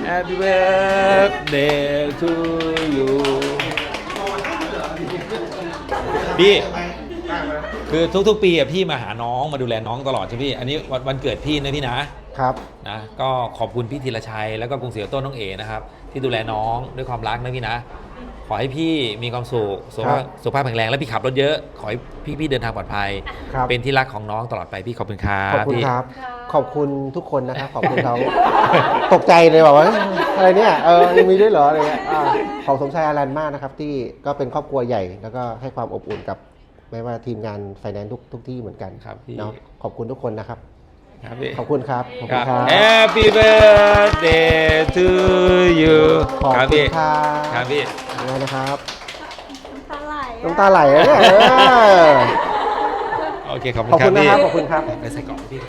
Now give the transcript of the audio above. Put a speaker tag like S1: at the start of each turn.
S1: Happy birthday to you พี่คือทุกๆปีอ่ะพี่มาหาน้องมาดูแลน้องตลอดใช่พี่อันนี้วันเกิดพี่นะพี่นะครับ นะก็ขอบคุณพี่ธีรชัยแล้วก็กรุงศรีออโต้น้องเอนะครับที่ดูแลน้องด้วยความรักนะพี่นะขอให้พี่มีความสุขสุขภาพแข็งแรงและพี่ขับรถเยอะขอให้พี่เดินทางปลอดภัยเป็นที่รักของน้องตลอดไปพี่ขอบคุณครับ
S2: ขอบคุณครับขอบคุณทุกคนนะครับขอบคุณเขาตกใจเลยบอกว่าอะไรเนี่ยยังมีด้วยเหรออะไรเงี้ยขอบสมชายอารันมากนะครับที่ก็เป็นครอบครัวใหญ่แล้วก็ให้ความอบอุ่นกับไม่ว่าทีมงานไฟแนนซ์ทุกที่เหมือนกัน
S1: ครับพี่
S2: เนาะขอบคุณทุกคนนะครับ
S1: ครับพี่
S2: ขอบคุณครับขอบคุณครับ
S1: Happy birthday to you
S2: ขอบ
S1: ครับ
S2: คุณ
S1: พี่
S2: ครับ
S1: ครับพี่
S2: ยังไงนะครับ
S3: น้ำตาไหลอะ
S2: น้ำตาไหลอะเนี่ย
S1: โอเคขอบ
S2: ขอบ
S1: คุ
S2: คุณ ณ
S1: ครับ
S2: นะ
S1: พี่
S2: ครับขอบคุณครับ
S1: ไปใส่กล่องพี่